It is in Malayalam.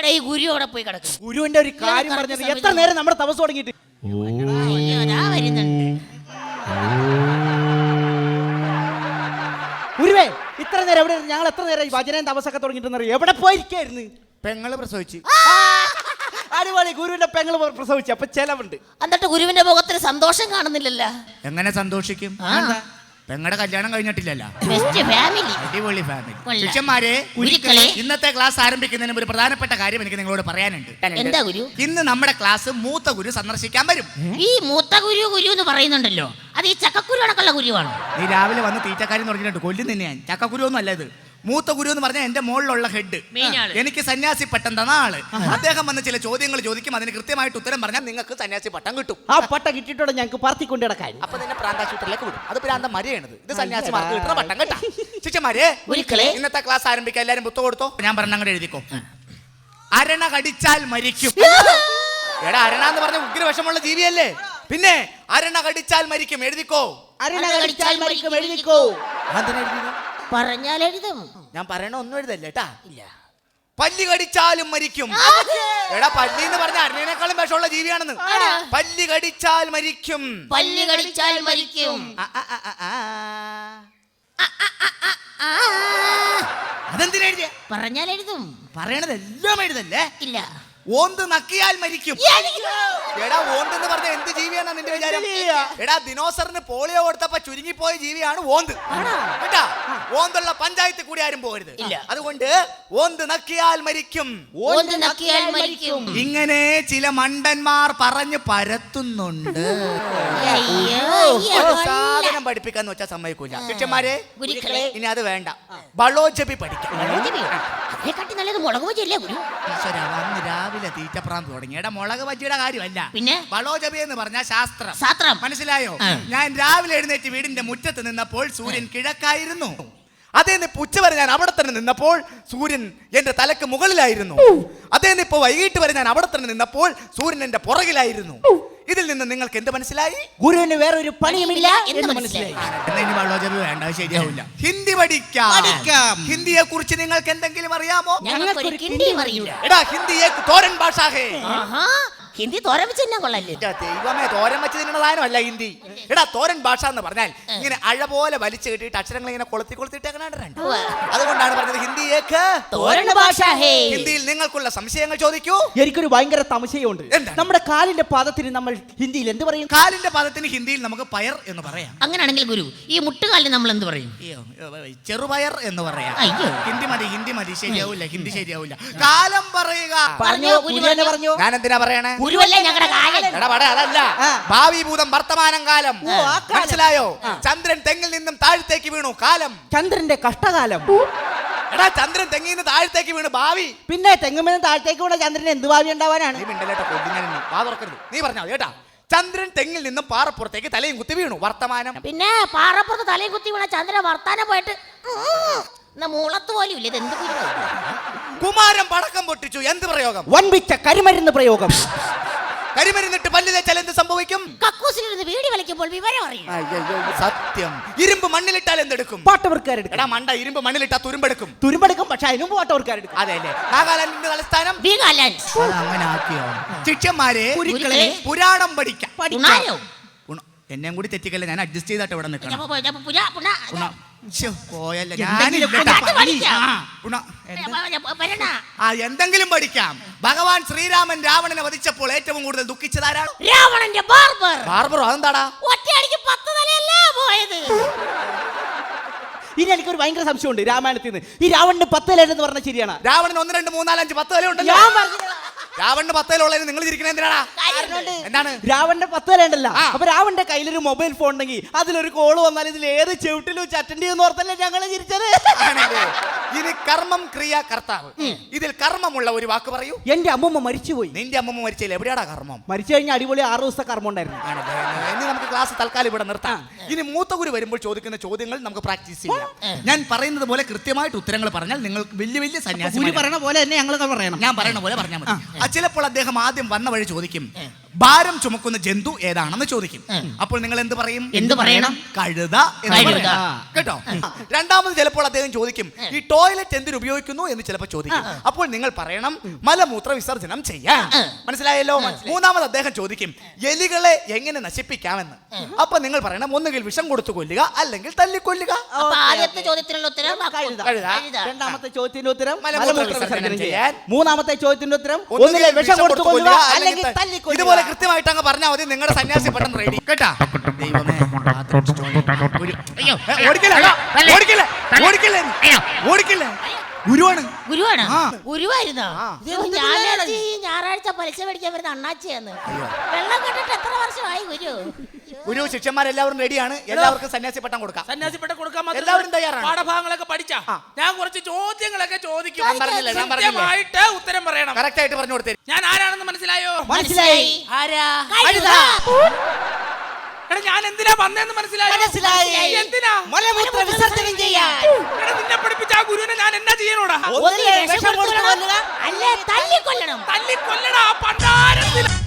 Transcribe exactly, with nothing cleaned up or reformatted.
ഈ ഗുരു അവിടെ പോയി കിടക്കും. ഗുരുവിന്റെ ഒരു കാര്യം പറഞ്ഞത് എത്ര നേരം നമ്മുടെ തപസ് തുടങ്ങിയിട്ട് ഗുരുവേ ഇത്ര നേരം എവിടെ ഞങ്ങൾ എത്ര നേരം ഭജനയും തപസ്സൊക്കെ തുടങ്ങിയിട്ട് എവിടെ പോയിരിക്കായിരുന്നു? പെങ്ങള് പ്രസവിച്ചു. അടിപൊളി. ഗുരുവിന്റെ പെങ്ങള് പ്രസവിച്ചു. അപ്പൊ ചെലവുണ്ട്. എന്നിട്ട് ഗുരുവിന്റെ മുഖത്തിന് സന്തോഷം കാണുന്നില്ലല്ലോ. എങ്ങനെ സന്തോഷിക്കും? പെങ്ങളുടെ കല്യാണം കഴിഞ്ഞിട്ടില്ലല്ലോ. അടിപൊളി ഫാമിലി. ശിഷ്യന്മാരെ, ഇന്നത്തെ ക്ലാസ് ആരംഭിക്കുന്നതിന് ഒരു പ്രധാനപ്പെട്ട കാര്യം എനിക്ക് നിങ്ങളോട് പറയാനുണ്ട്. എന്താ ഗുരു? ഇന്ന് നമ്മുടെ ക്ലാസ് മൂത്ത ഗുരു സന്ദർശിക്കാൻ വരും. ഈ മൂത്ത ഗുരു ഗുരു എന്ന് പറയുന്നുണ്ടല്ലോ, അത് ഈ ചക്കക്കുരു അടക്കമുള്ള ഗുരുവാണോ? നീ രാവിലെ വന്ന് തീറ്റക്കാരെന്ന് പറഞ്ഞിട്ട് കൊല്ലും തന്നെ ഞാൻ. ചക്കക്കുരു ഒന്നും അല്ല ഇത്. മൂത്ത ഗുരു എന്ന് പറഞ്ഞാൽ എന്റെ മുകളിലുള്ള ഹെഡ്, എനിക്ക് സന്യാസി പട്ടം തന്ന ആള്. അദ്ദേഹം വന്ന് ചില ചോദ്യങ്ങൾ ചോദിക്കും, അതിന് കൃത്യമായിട്ട് ഉത്തരം പറഞ്ഞാൽ നിങ്ങൾക്ക് സന്യാസി പട്ടം കിട്ടും. ആ പട്ടം കിട്ടിയിട്ടോടെ ഞങ്ങൾക്ക് പറത്തിക്കൊണ്ട് കിടക്കാൻ. അപ്പൊ നിന്നെ പ്രാന്താശുപത്രിയിലേക്ക് വിടും. അത് പ്രാന്ത മരിയാണത്. ഇത് സന്യാസിമാർക്ക് കിട്ടുന്ന പട്ടം കേട്ടാ. ശിഷ്യന്മാരെ, ഇന്നത്തെ ക്ലാസ് ആരംഭിക്കാൻ എല്ലാരും പുസ്തകം കൊടുത്തോ. ഞാൻ പറഞ്ഞ അങ്ങോട്ട് എഴുതിക്കോ. അരണ കടിച്ചാൽ മരിക്കും. എടാ, അരണ എന്ന് പറഞ്ഞ ഉഗ്രവിഷമുള്ള ജീവിയല്ലേ? പിന്നെ അരണ കടിച്ചാൽ മരിക്കും. എഴുതിക്കോ. അരണ കടിച്ചാൽ മരിക്കും. എഴുതിക്കോ. പറഞ്ഞാൽ എഴുതും. ഞാൻ പറയണ ഒന്നും എഴുതല്ലേ കേട്ടാ. ഇല്ല. പല്ലി കടിച്ചാലും മരിക്കും. എടാ, പല്ലി എന്ന് പറഞ്ഞ അരണേക്കാളും വിഷമുള്ള ജീവിയാണെന്ന്. പല്ലി കടിച്ചാൽ മരിക്കും. പല്ലി കടിച്ചാൽ മരിക്കും. അതെന്തിനാ എഴുതിയ? പറഞ്ഞാൽ എഴുതും. പറയണതെല്ലാം എഴുതല്ലേ? ഇല്ല. ഓന്ത് നക്കിയാൽ മരിക്കും. എടാ, ഓന്ത് എന്ന് പറഞ്ഞ എന്ത് ജീവിയാണെന്നാ നിന്റെ വിചാരം? എടാ, ദിനോസറിന് പോളിയോ കൊടുത്തപ്പോ ചുരുങ്ങിപ്പോയ ജീവിയാണ് ഓന്ത് കേട്ടാ. ഓന്തുള്ള പഞ്ചായത്ത് കൂടി ആരും പോകരുത്. അതുകൊണ്ട് ഓന്ത് നക്കിയാൽ മരിക്കും. ഓന്ത് നക്കിയാൽ മരിക്കും. ഇങ്ങനെ ചില മണ്ടന്മാർ പറഞ്ഞു പരത്തുന്നുണ്ട്. സാധനം പഠിപ്പിക്കാന്ന് വെച്ചാൽ സമ്മതിക്കൂല. ശിഷ്യന്മാരെ, ഇനി അത് വേണ്ട. ബളോജപി പഠിക്കാം. നല്ലത് മുളക് ബജിയല്ലേ ഗുരു? രാവിലെ തീറ്റപ്രാന്ത് തുടങ്ങി. എടാ, മുളക് ബജിയുടെ കാര്യമല്ല, പിന്നെ ബളോജപി എന്ന് പറഞ്ഞ ശാസ്ത്രം. ശാസ്ത്രം മനസ്സിലായോ? ഞാൻ രാവിലെ എഴുന്നേറ്റ് വീടിന്റെ മുറ്റത്ത് നിന്നപ്പോൾ സൂര്യൻ കിഴക്കായിരുന്നു. അതേ നിപ്പ് ഉച്ച വരെ ഞാൻ അവിടെ തന്നെ നിന്നപ്പോൾ സൂര്യൻ എന്റെ തലക്ക് മുകളിലായിരുന്നു. അതേ നിപ്പ് വൈകിട്ട് വരെ ഞാൻ അവിടെ തന്നെ നിന്നപ്പോൾ സൂര്യൻ എന്റെ പുറകിലായിരുന്നു. ഇതിൽ നിന്ന് നിങ്ങൾക്ക് എന്ത് മനസ്സിലായി? ഗുരുവിന് വേറെ ഒരു പണിയുമില്ല എന്ന് മനസ്സിലായി. ബളോജപി വേണ്ട, ശരിയാവില്ല. ഹിന്ദി പഠിക്കാം. ഹിന്ദിയെ കുറിച്ച് നിങ്ങൾക്ക് എന്തെങ്കിലും അറിയാമോ? എടാ, ഹിന്ദിയെ തോരൻ ഭാഷ. ഹിന്ദി തോരൻ വെച്ച് തന്നെ കൊള്ളല്ലേ? ദൈവമേ, തോരൻ വെച്ച് തിന്നുന്ന സാധനമല്ല ഹിന്ദി. എടാ, തോരൻ ഭാഷ എന്ന് പറഞ്ഞാൽ ഇങ്ങനെ അഴ പോലെ വലിച്ചു കെട്ടിയിട്ട് അക്ഷരങ്ങൾ ഇങ്ങനെ കൊളുത്തി കൊളുത്തിട്ടേക്കണ. അതുകൊണ്ടാണ് പറഞ്ഞത് ഹിന്ദിയേക്ക് തോരൻ ഭാഷ. ഹിന്ദിയിൽ നിങ്ങൾക്കുള്ള സംശയങ്ങൾ ചോദിക്കൂ. എനിക്കൊരു ഭയങ്കര സംശയമുണ്ട്. നമ്മുടെ കാലിന്റെ പാദത്തിന് നമ്മൾ ഹിന്ദിയിൽ എന്ത് പറയും? കാലിന്റെ പാദത്തിന് ഹിന്ദിയിൽ നമുക്ക് പയർ എന്ന് പറയാം. അങ്ങനെയാണെങ്കിൽ ഗുരു, ഈ മുട്ടുകാലിന് നമ്മൾ എന്ത് പറയും? ചെറുപയർ എന്ന് പറയാം. ഹിന്ദി മതി, ഹിന്ദി മതി. ശരിയാവില്ല, ഹിന്ദി ശരിയാവില്ല. കാലം പറയുക. ഞാൻ എന്തിനാ പറയണേ? അതല്ല, ഭാവി ഭൂതം വർത്തമാനം കാലം. മനസ്സിലായോ? ചന്ദ്രൻ തെങ്ങിൽ നിന്നും താഴത്തേക്ക് വീണു. കാലം. ചന്ദ്രന്റെ കഷ്ടകാലം. എടാ, ചന്ദ്രൻ തെങ്ങിൽ നിന്ന് താഴത്തേക്ക് വീണു. ഭാവി. പിന്നെ തെങ്ങുമെന്ന് താഴത്തേക്ക് വീണ ചന്ദ്രൻ എന്ത് ഭാവി ഉണ്ടാവാനാണ്? നീ പറഞ്ഞാ കേട്ടാ. ചന്ദ്രൻ തെങ്ങിൽ നിന്നും പാറപ്പുറത്തേക്ക് തലയും കുത്തി വീണു. വർത്തമാനം. പിന്നെ പാറപ്പുറത്ത് തലയും കുത്തി വീണ ചന്ദ്രൻ വർത്താനം പോയിട്ട് മൂളത്ത് പോലും ഇല്ല. എന്ത് കുമാരൻ പടക്കം പൊട്ടിച്ചു. എന്ത് പ്രയോഗം? വൻപിച്ച കരിമരുന്ന് പ്രയോഗം. കരിമരുന്നിട്ട് പല്ല് തേച്ചാൽ എന്ത് സംഭവിക്കും? കക്കൂസിലിരുന്ന് വീടി വലിക്കുമ്പോൾ വിവരം അറിയും. സത്യം. ഇരുമ്പ് മണ്ണിലിട്ടാൽ എന്തെടുക്കും? പാട്ടവർക്കാരെടുക്കും. എടാ മണ്ട, ഇരുമ്പ് മണ്ണിലിട്ടാ തുരുമ്പെടുക്കും. തുരുമ്പെടുക്കും, പക്ഷെ അതിനും പാട്ടവർക്കാരെടുക്കും. അതെല്ലേ? നാഗാലാൻഡിന്റെ തലസ്ഥാനം അങ്ങനെ ആക്കിയോ? ശിഷ്യന്മാരെ, പുരാണം പഠിക്കാം. എന്നെയും കൂടി തെറ്റിക്കല്ലേ, ഞാൻ അഡ്ജസ്റ്റ് ചെയ്തിട്ട് ഇവിടെ നിൽക്കണം. എന്തെങ്കിലും പഠിക്കാം. ഭഗവാൻ ശ്രീരാമൻ രാവണനെ വധിച്ചപ്പോൾ ഏറ്റവും കൂടുതൽ ദുഃഖിച്ചതാരാണ്? രാവണന്റെ ബാർബർ. ബാർബറോ? അതെന്താടാ? ഒറ്റയടിക്ക് പത്ത് തലയല്ലേ പോയത്. ഇനി എനിക്കൊരു ഭയങ്കര സംശയമുണ്ട് രാമായണത്തിൽ നിന്ന്. ഈ രാവണന് പത്ത് തലയെന്ന് പറഞ്ഞാൽ ശരിയാണ്? രാവണന് ഒന്ന് രണ്ട് മൂന്നാലഞ്ച് പത്ത് തല ഉണ്ടല്ലോ. രാവണന്റെ പത്ത് തലയുള്ളതിന് നിങ്ങൾ ഇരിക്കണ എന്തിനാടാ? എന്താണ്? രാവണന്റെ പത്ത് തല ഉണ്ടല്ലോ. അപ്പൊ രാവണന്റെ കയ്യിലൊരു മൊബൈൽ ഫോൺ ഉണ്ടെങ്കിൽ അതിലൊരു കോള് വന്നാൽ ഇതിൽ ഏത് ചെവിട്ടിലും അറ്റൻഡ് ചെയ്യുന്ന ഓർത്തല്ലേ ഞങ്ങള് ചിരിച്ചത്. ഇനി കർമ്മം ക്രിയ കർത്താവ്. ഇതിൽ കർമ്മമുള്ള ഒരു വാക്ക് പറയൂ. എന്റെ അമ്മൂമ്മ മരിച്ചുപോയി. നിന്റെ അമ്മൂമ്മ മരിച്ചില്ല. എവിടെയാടാ കർമ്മം? മരിച്ചു കഴിഞ്ഞാൽ അടിപൊളി ആറു ദിവസത്തെ കർമ്മം ഉണ്ടായിരുന്നു. ഇനി നമുക്ക് ക്ലാസ് തൽക്കാലം ഇവിടെ നിർത്താം. ഇനി മൂത്ത ഗുരു വരുമ്പോൾ ചോദിക്കുന്ന ചോദ്യങ്ങൾ നമുക്ക് പ്രാക്ടീസ് ചെയ്യാം. ഞാൻ പറയുന്നത് പോലെ കൃത്യമായിട്ട് ഉത്തരങ്ങൾ പറഞ്ഞാൽ നിങ്ങൾക്ക് വലിയ വലിയ സന്യാസി പറയുന്ന പോലെ തന്നെ ഞങ്ങൾ പറയണം. ഞാൻ പറയുന്ന പോലെ പറഞ്ഞാൽ മതി. ചിലപ്പോൾ അദ്ദേഹം ആദ്യം വന്ന വഴി ചോദിക്കും, ഭാരം ചുമക്കുന്ന ജന്തു ഏതാണെന്ന് ചോദിക്കും. ഉം. അപ്പോൾ നിങ്ങൾ എന്ത് പറയും? എന്ത് പറയണം? കഴുത എന്ന് കഴുത. പറയും. കേട്ടോ? രണ്ടാമത് ചിലപ്പോൾ അദ്ദേഹം ചോദിക്കും ഈ ടോയ്ലറ്റ് എന്തിനു ഉപയോഗിക്കുന്നു എന്ന് ചിലപ്പോൾ ചോദിക്കും. അപ്പോൾ നിങ്ങൾ പറയണം മലമൂത്ര വിസർജനം ചെയ്യാൻ. മനസ്സിലായല്ലോ? മൂന്നാമത് അദ്ദേഹം ചോദിക്കും എലികളെ എങ്ങനെ നശിപ്പിക്കാമെന്ന്. അപ്പൊ നിങ്ങൾ പറയണം ഒന്നുകിൽ വിഷം കൊടുത്തു കൊല്ലുക അല്ലെങ്കിൽ തല്ലിക്കൊല്ലുക. അപ്പൊ ആദ്യത്തെ ചോദ്യത്തിനുള്ള ഉത്തരം കഴുത. കഴുത. കഴുത. രണ്ടാമത്തെ ചോദ്യത്തിന്റെ ഉത്തരം മലമൂത്ര മലമൂത്ര വിസർജനം വിസർജനം ചെയ്യാൻ. ചെയ്യാൻ. മൂന്നാമത്തെ ചോദ്യത്തിന്റെ ഉത്തരം ഒന്നുകിൽ ഒന്നുകിൽ വിഷം കൊടുത്തു കൊല്ലുക അല്ലെങ്കിൽ അല്ലെങ്കിൽ ത- തല്ലിക്കൊല്ലുക. ഇതുപോലെ കൃത്യമായിട്ട് അങ്ങ് പറഞ്ഞാൽ മതി. നിങ്ങളുടെ സന്യാസി പെട്ടെന്ന് റെഡി. കേട്ടാ? ദൈവമേ. ഒരു- അയ്യോ. ഏ, ഓടിക്കല്ലേ? തല്ല്. ഓടിക്കല്ലേ? ഓടിക്കല്ലേ? അയ്യോ. ഓടിക്കല്ലേ? ഗുരുവാണ്. ഗുരുവാണ് ആ. ഗുരുവായിരുന്നോ? ആ. ഇത് ഞാൻ വിചാരിച്ചു ഈ ഞായറാഴ്ച പലിശ മേടിക്കാൻ വരുന്ന അണ്ണാച്ചിയാന്ന്. വെള്ളം കണ്ടിട്ട് എത്ര വർഷമായി ഗുരു? ഗുരു ശിഷ്യന്മാരെല്ലാവരും റെഡിയാണ്. എല്ലാവർക്കും സന്യാസി പട്ടം കൊടുക്കാം. സന്യാസിപ്പെട്ട കൊടുക്കാൻ മാത്രം എല്ലാവരും തയ്യാറാണ്. പാഠഭാഗങ്ങളൊക്കെ പഠിച്ചാ ആ. ഞാൻ കുറച്ച് ചോദ്യങ്ങളൊക്കെ ചോദിക്കും. ഞാൻ പറഞ്ഞില്ലേ, ഞാൻ പറഞ്ഞില്ലേ. കൃത്യമായിട്ട് ഉത്തരം പറയണം. കറക്റ്റ് ആയിട്ട് പറഞ്ഞു കൊടുത്തേ. ഞാൻ ആരാണെന്ന് മനസ്സിലായോ? മനസ്സിലായി. ആരാ? കഴുത. എടാ ഞാൻ എന്തിനാ വന്നേന്ന് മനസ്സിലായോ? മനസ്സിലായി. എന്തിനാ? മലമൂത്ര വിസർജനം ചെയ്യാൻ. എടാ നിന്നെ പഠിപ്പിച്ച ആ ഗുരുവിനെ ഞാൻ എന്നാ ചെയ്യണോടാ? ഒന്നുകിൽ വിഷം കൊടുത്തു കൊല്ലുക അല്ലേ തല്ലിക്കൊല്ലണം. തല്ലി കൊല്ലടാ പണ്ടാരത്തിൽ.